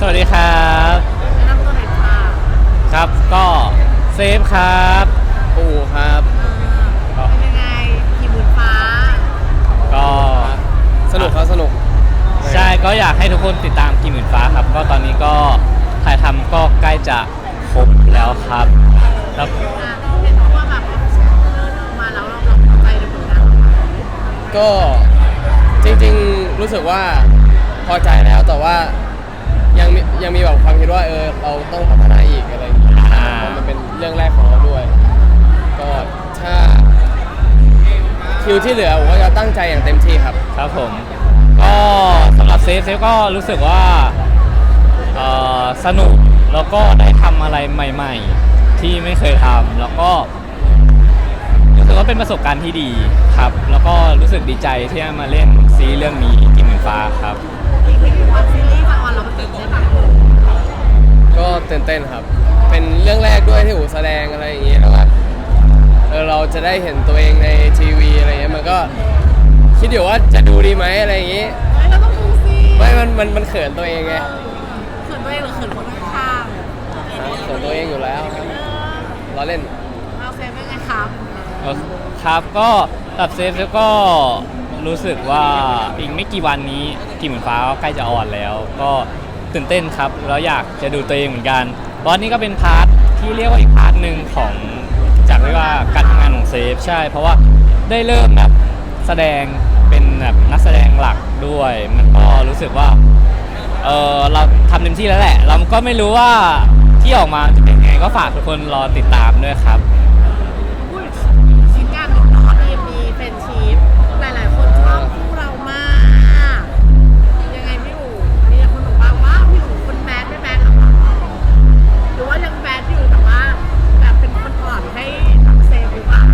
วัสดีครับแนะนำตัวหน่อยค่ะครับก็เซฟครับปู่ครับเป็นยังไงขี่หมื่นฟ้าก็สนุกครับสนุกใช่ก็อยากให้ทุกคนติดตามกี่หมื่นฟ้าครับก็ตอนนี้ก็ถ่ายทำก็ใกล้จะครบแล้วครับแล้วเห็นว่าแบบเดินออกมาแล้วเราพอใจในผลงานของเราก็จริงๆรู้สึกว่าพอใจแล้วแต่ว่ายังมีแบบความคิดว่าเราต้องพัฒนาอีกอะไรอย่างเงี้ยเพราะมันเป็นเรื่องแรกของเราด้วยก็ถ้าคิวที่เหลือผมก็จะตั้งใจอย่างเต็มที่ครับครับผมก็สำหรับเซฟก็รู้สึกว่าสนุกแล้วก็ได้ทำอะไรใหม่ๆที่ไม่เคยทำแล้วก็รู้สึกว่าเป็นประสบการณ์ที่ดีครับแล้วก็รู้สึกดีใจที่ได้มาเล่นซีรีส์เรื่องนี้กี่หมื่นฟ้าครับนี่คือว่าซีรีส์มาออนเราก็ตื่นเต้นแบบก็ตื่นเต้นครับเป็นเรื่องแรกด้วยที่อู๋แสดงอะไรอย่างเงี้ยแล้วเราจะได้เห็นตัวเองในทีวีอะไรเงี้ยมันก็คิดอยู่ว่าจะดูดีไหมอะไรอย่างงี้เราต้องดูสิไม่มันเขินตัวเองไงเขินตัวเองหรือเขินคนข้างเขินตัวเองอยู่แล้วครับล้อเล่นเราเซฟเป็นไงครับครับก็กับเซฟก็รู้สึกว่าอีกไม่กี่วันนี้กี่หมื่นฟ้าก็ใกล้จะออนแล้วก็ตื่นเต้นครับแล้วอยากจะดูตัวเองเหมือนกันเพราะนี่ก็เป็นพาร์ทที่เรียกว่าอีกพาร์ทหนึ่งของจากเรียกว่าการทำงานของเซฟใช่เพราะว่าได้เริ่มแบบแสดงเป็นแบบนักแสดงหลักด้วยมันก็รู้สึกว่าเราทำเต็มที่แล้วแหละเราก็ไม่รู้ว่าที่ออกมาจะเป็นยังไงก็ฝากทุกคนรอติดตามด้วยครับชิ้นงานหนึ่งเนาะมีเฟรนชิพหลายๆคนชอบคู่เรามากยังไงพี่อู๋มีคนบอกว่าพี่อู๋คนแบดไม่แบดหรอหรือว่ายังแบดอยู่แต่ว่าแบบเป็นคนอ่อนให้เซฟหรือเปล่า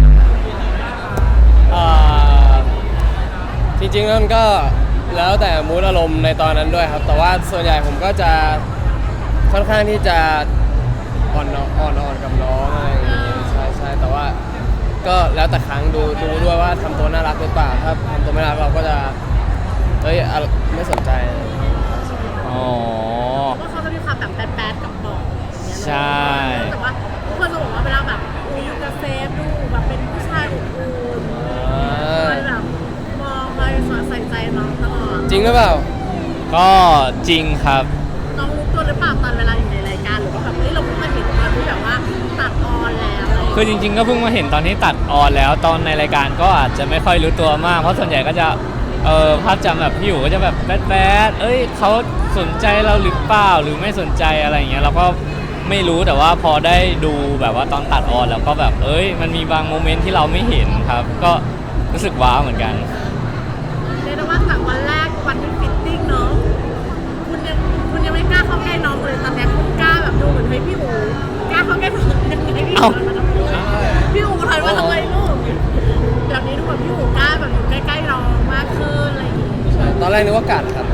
จริงๆนั่นก็แล้วแต่มูดอารมณ์ในตอนนั้นด้วยครับแต่ว่าส่วนใหญ่ผมก็จะค่อนข้างที่จะอ่อนกับน้องอะไรอย่างงี้ใช่แต่ว่าก็แล้วแต่ครั้งดูด้วยว่าทำตัวน่ารักหรือเปล่าถ้าทำตัวไม่น่ารักเราก็จะไม่สนใจอ๋อว่าเขาจะมีความแบบแบดกับบอกใช่แต่ว่าทุกคนจะบอกว่าเวลาแบบอยู่กับเซฟดูแบบเป็นผู้ชายอบอุ่นคอยแบบมองคอยใส่ใจน้องตลอดจริงหรือเปล่าก็จริงครับน้องรู้ตัวหรือเปล่าตอนเวลาอยู่ในรายการหรือว่าแบบเราเพิ่งมาเห็นตอนที่แบบว่าตัดออนแล้วคือจริงๆก็เพิ่งมาเห็นตอนที่ตัดออนแล้วตอนในรายการก็อาจจะไม่ค่อยรู้ตัวมากเพราะส่วนใหญ่ก็จะภาพจำแบบพี่อยู่ก็จะแบบแบดเขาสนใจเราหรือเปล่าหรือไม่สนใจอะไรอย่างเงี้ยเราก็ไม่รู้แต่ว่าพอได้ดูแบบว่าตอนตัดออนแล้วก็แบบมันมีบางโมเมนต์ที่เราไม่เห็นครับก็รู้สึกว้าวเหมือนกันเรียกได้ว่าจากวันแรกวันที่ฟิตติ้งเนาะคุณยังไม่กล้าเข้าใกล้น้องเลยตอนนี้คุณกล้าแบบดูเหมือนพี่อู๋กล้าเข้าใกล้น้องยังไงพี่อู๋ถอยมาทำไมลูกแบบนี้ดูแบบพี่อู๋กล้าแบบอยู่ใกล้ๆน้องมากขึ้นอะไรอย่างงี้ตอนแรกนึกว่ากัดครับ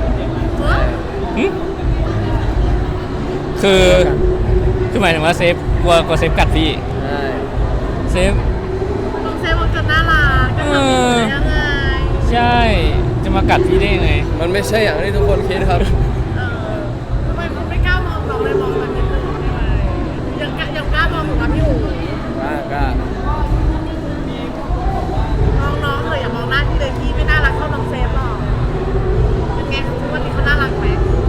คือหมายถึงว่าเซฟกลัวเซฟกัดพี่เซฟน้องเซฟมันจะน่ารักจะทำยังไงใช่จะมากัดพี่ได้ยังไงมันไม่ใช่อย่างที่ทุกคนคิดครับทำไมคุณไม่กล้ามองน้องเลยมองมันนิดนึงได้ไหมยังกล้ามองอยู่กับพี่อู๋กล้ามองน้องเลยอย่ามองหน้าพี่เลยพี่ไม่น่ารักเท่าน้องเซฟหรอกเป็นไงทุกวันนี้เขาน่ารักไหม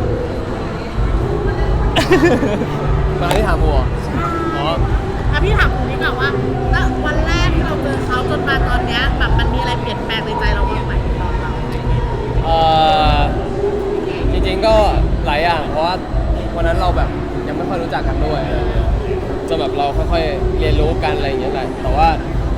มาที่ถามบัวพี่ถามคุณนี่ก่อนว่าแล้ววันแรกที่เราเจอเขาจนมาตอนนี้แบบมันมีอะไรเปลี่ยนแปลงในใจเราบ้างไหมจริงๆก็หลายอย่างเพราะว่าวันนั้นเราแบบยังไม่ค่อยรู้จักกันด้วยจนแบบเราค่อยๆเรียนรู้กันอะไรอย่างเงี้ยแหละแต่ว่า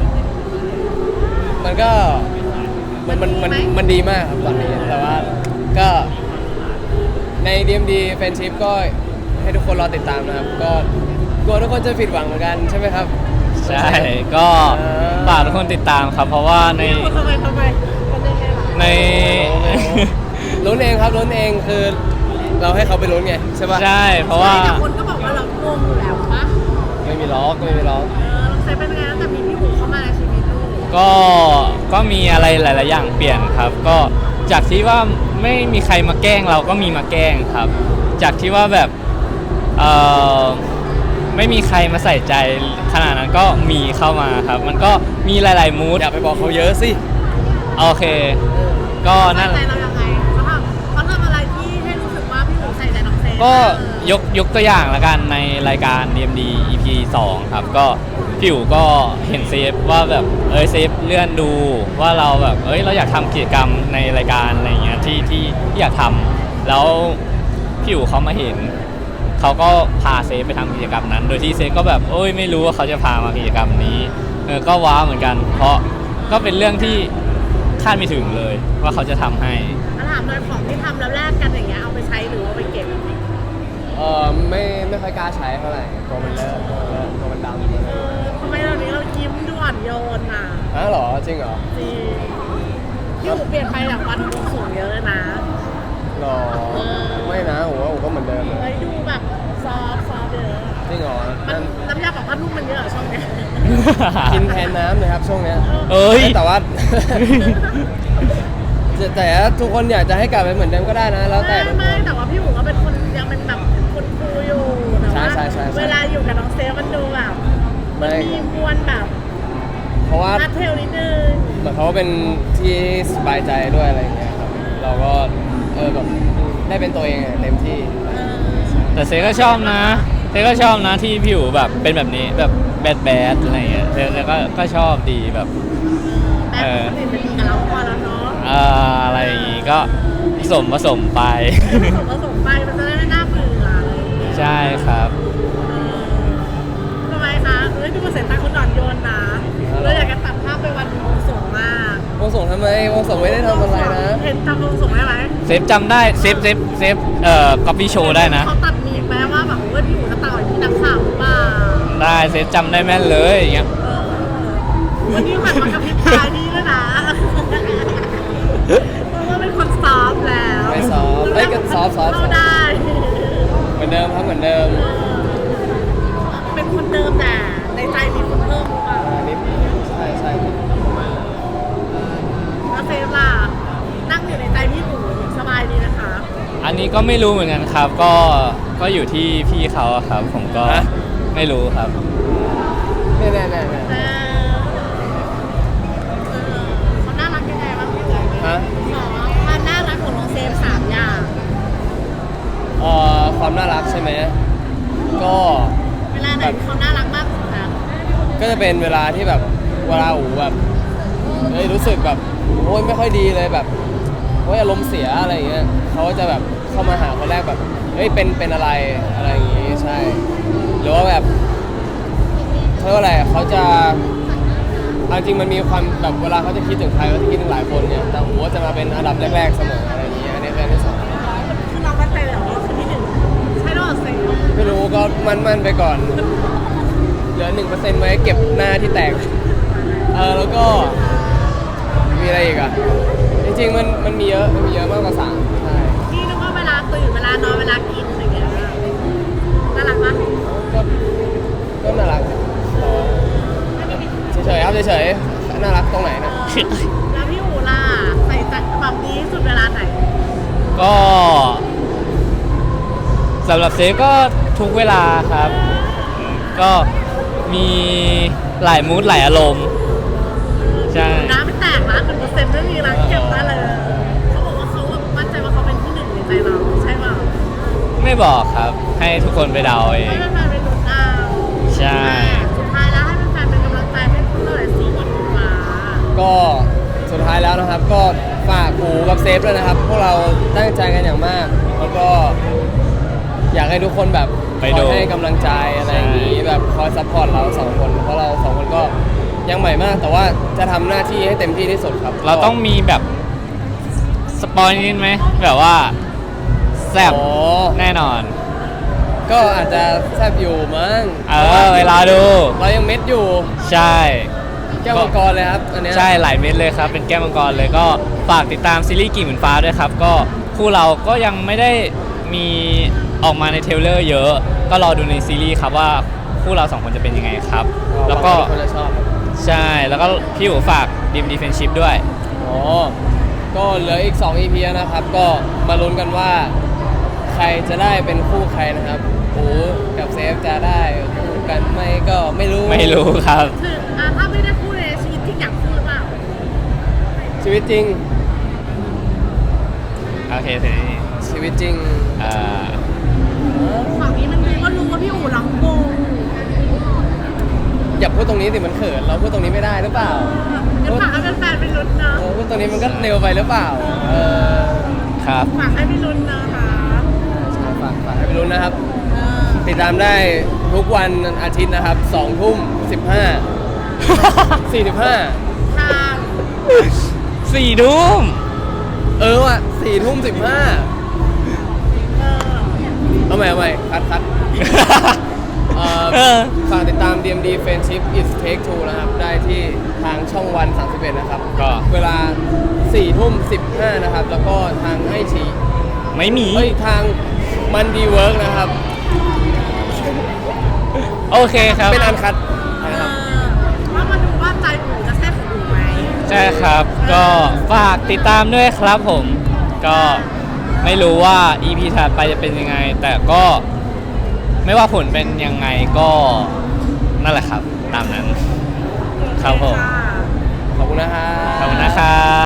มันก็มันดีมากครับตอนนี้แต่ว่าก็ใน DMD Friendship ก็ให้ทุกคนรอติดตามนะครับก็กลัวทุกคนจะผิดหวังเหมือนกันใช่ไหมครับใช่ก็ฝากทุกคนติดตามครับเพราะว่าในลุ้นเองครับลุ้นเองคือเราให้เขาไปลุ้นไงใช่ป่ะใช่เพราะว่าแต่คนก็บอกว่าเรางงอยู่แล้วปะไม่มีล็อกเราใช้เป็นไงตั้งแต่มีพี่หูเข้ามาในชีวิตลูกก็ก็มีอะไรหลาย ๆ อย่างเปลี่ยนครับ ก็จากที่ว่าไม่มีใครมาแกล้งเราก็มีมาแกล้งครับ จากที่ว่าแบบเอ่อไม่มีใครมาใส่ใจขนาดนั้นก็มีเข้ามาครับ มันก็มีหลาย ๆ มูดอย่าไปบอกเขาเยอะสิโอเค ก็นั่นใส่ใจเรายังไงเขาทำอะไรที่ให้รู้สึกว่าพี่อู๋ใส่ใจน้องเซฟก็ยกตัวอย่างละกันในรายการ DMD EP 2 ครับก็พี่อู๋ก็เห็นเซฟว่าแบบเซฟเลื่อนดูว่าเราแบบเราอยากทำกิจกรรมในรายการอะไรเงี้ยที่อยากทำแล้วพี่อู๋เขามาเห็นเขาก็พาเซฟไปทำกิจกรรมนั้น โดยที่เซฟก็แบบไม่รู้ว่าเขาจะพามากิจกรรมนี้ก็ว้าวเหมือนกัน เพราะก็เป็นเรื่องที่คาดไม่ถึงเลยว่าเขาจะทำให้ถามเลยของที่ทำแล้วแลกกันอย่างเงี้ยเอาไปใช้หรือเอาไปเก็บไม่ค่อยกล้าใช้เท่าไหร่ตัวมันเลอะตัวมันดำทำไมเรานี้เรายิ้มด่วนโยนอ่ะเหรอจริงเหรอจริงพี่อู๋เปลี่ยนไปจากวันบวงสรวงเยอะเลยนะหรอไม่นะผมว่าผมก็เหมือนเดิมเลยเฮ้ยดูแบบซอฟเยอะจริงเหรอมันน้ำยาปรับผ้านุ่มมันเยอะเหรอช่วงเนี้ยกินแทนน้ำเลยครับช่วงเนี้ย แต่ว่า แต่ทุกคนอยากจะให้กลับไปเหมือนเดิมก็ได้นะ แล้วแต่ทุกคไม่นแต่ว่าพี่อู๋ก็เป็นคนยังเป็นแบบคนคูลอยู่แต่ว่าใช่เวลาอยู่กับน้องเซฟมันดูแบบไม่มีมวลแบบเพราะว่านัดเทลนิดนึงเหมือนเขาเป็นที่สบายใจด้วยอะไรอย่างเงี้ยครับ เราก็แบบได้เป็นตัวเองเต็มที่แต่เซก็ชอบนะที่พี่อู๋แบบเป็นแบบนี้แบบแบดอะไรเงี้ยเซก็ชอบดีแบบแม่คนอื่นเป็นดีกับเราพอแล้วเนาะอะไรอย่างงี้ก็ผสมไปผสมไปมันจะได้ไม่น่าเบื่ออะไรอย่างเงี้ยใช่ครับทำไมคะดูมาเสร็จตาคนอ่อนโยนนะเราอยากจะตัดภาพไปวันบวงสรวงมากวงส่งทำไมวงส่งไม่ได้ทำอะไรนะเห็นจำบวงสรวงได้ไหมเซฟจำได้เซฟก๊อปปี้โชว์ได้นะเขาตัดมีแม้ว่าแบบพี่อู๋จะต่อยพี่นักข่าวหรือเปล่าได้เซฟจำได้แม่นเลยอย่างเงี้ยวันนี้หันมากระพริบตาดีด้วยนะเพราะว่าเป็นคนซอฟต์แล้วไม่ซอฟต์ก็ซอฟต์เข้าได้เหมือนเดิมครับเหมือนเดิมเป็นคนเดิมแต่ในใจมีคนเพิ่มหรือเปล่านิดใช่ประมาณนั้นแล้วเซฟล่ะนั่งอยู่ในใจพี่อู๋สบายดีนะคะอันนี้ก็ไม่รู้เหมือนกันครับ ก็อยู่ที่พี่เขาอะครับ ผมก็ไม่รู้ครับแน่เขาน่ารักยังไงบ้างพี่อู๋ฮะขอความน่ารักของน้องเซฟ3 อย่างความน่ารักใช่ไหมก็เวลาไหนเขาน่ารักมากสุดคะก็จะเป็นเวลาที่แบบเวลาอูแบบรู้สึกแบบโอ้ยไม่ค่อยดีเลยแบบโอ้ยอารมณ์เสียอะไรอย่างเงี้ยเขาก็จะแบบเข้ามาหาคนแรกแบบเป็นอะไรอย่างงี้ใช่หรือว่าแบบเขาเรียกว่าอะไรเขาจะเอาจริงมันมีความแบบเวลาเขาจะคิดถึงใครเขาจะคิดถึงหลายคนเนี่ยแต่ผมว่าจะมาเป็นอันดับแรกๆเสมออะไรอย่างเงี้ยอันนี้คืออันที่สองคือเรามั่นใจเลยเหรอว่าคือที่ 1ใช่หรอเซฟไม่รู้ก็มั่นไปก่อนเหลือ 1% ไว้เก็บหน้าที่แตกแล้วก็มีอะไรอีกอ่ะจริงๆมันมีเยอะมากกว่า3ใช่พี่นึกว่าเวลาตื่นเวลานอนเวลากินอะไรเงี้ยน่ารักมากก็น่ารักเฉยๆครับเฉยๆน่ารักตรงไหนนะแล้วพี่อู๋ล่ะใส่ใจแบบนี้สุดเวลาไหนก็สำหรับเซฟก็ทุกเวลาครับ ก็มีหลายมูดหลายอารมณ์ใช่น้ำไม่แตกนะ1%ไม่มีนะเก็บได้เลยเขาบอกว่าเขาแบบมั่นใจว่าเขาเป็นที่ 1ในใจเราใช่เปล่าไม่บอกครับ ให้ทุกคนไปเดาเอให้งแฟนๆไปลุ้นเอาใช่สุดท้ายแล้วให้แฟนๆเป็นกำลังใจให้พวกเราหน่อยสิอีกมาก็สุดท้ายแล้วนะครับก็ฝากอูกับเซฟด้วยนะครับ พวกเราตั้งใจกันอย่างมาก แล้วก็อยากให้ทุกคนแบบไปคดูอยให้กำลังใจอะไรอย่างนี้แบบคอยซัพพอร์ตเรา2 คนเพราะเรา2 คนก็ยังใหม่มาก แต่ว่าจะทำหน้าที่ให้เต็มที่ที่สุดครับเราต้องมีแบบสปอยนิดไหมแบบว่าแซ่บโอ้แน่นอนก็อาจจะแซบอยู่มั้งเวลาดูเรายังเม็ดอยู่ใช่แก้วมังกรเลยครับอันเนี้ยใช่หลายเม็ดเลยครับ เป็นแก้วมังกรเลยก็ฝากติดตามซีรีส์กิ่งเหมือนฟ้าด้วยครับ ก็คู่เราก็ยังไม่ได้มีออกมาในเทรลเลอร์เยอะ ก็รอดูในซีรีส์ครับว่าคู่เรา2 คนจะเป็นยังไงครับ แล้วก็คนจะชอบใช่แล้วก็พี่อู๋ฝากดีมดีเฟนชิพด้วยอ๋อ ก็เหลืออีก 2 EP นะครับ ก็มาลุ้นกันว่าใครจะได้เป็นคู่ใครนะครับโอ้กับเซฟจะได้คู่กันไหมก็ไม่รู้ไม่รู้ครับคือถ้าไม่ได้พูดในชีวิตจริงอยากพูดหรือเปล่าชีวิตจริงโอเคทีนี้ชีวิตจริงอ่าฝั่งนี้มันก็รู้ว่าพี่อู๋ร้องวงอย่าพูดตรงนี้สิมันเขินเราพูดตรงนี้ไม่ได้หรือเปล่าจะฝากให้แฟนๆไปลุ้นเนาะพูดตรงนี้มันก็เร็วไปหรือเปล่าอครับฝากให้ไปลุ้นนะคะใช่ฝากให้ไปลุ้นนะครับเออติดตามได้ทุกวันอาทิตย์นะครับ2 ทุ่ม 15 45 ทาง 4 ทุ่มว่ะ4 ทุ่ม 15 เอาใหม่คัดฝากติดตาม DMD Friendship is Take Two นะครับ ได้ที่ทางช่องวัน 31 นะครับก็เวลา 4 ทุ่ม 15 นะครับ แล้วก็ทางให้ฉีไม่มีทางมันดีเวิร์กนะครับโอเคครับเป็นอันคัดเอนะครับอว่ามาดูว่าใจอู๋จะใช่ของอู๋ไหมใช่ครับ ก็ฝากติดตามด้วยครับผม ก็ไม่รู้ว่า EP ถัดไปจะเป็นยังไง แต่ก็ไม่ว่าผลเป็นยังไงก็นั่นแหละครับ ตามนั้น ครับผมะขอบคุณนะครับขอบคุณนะครับ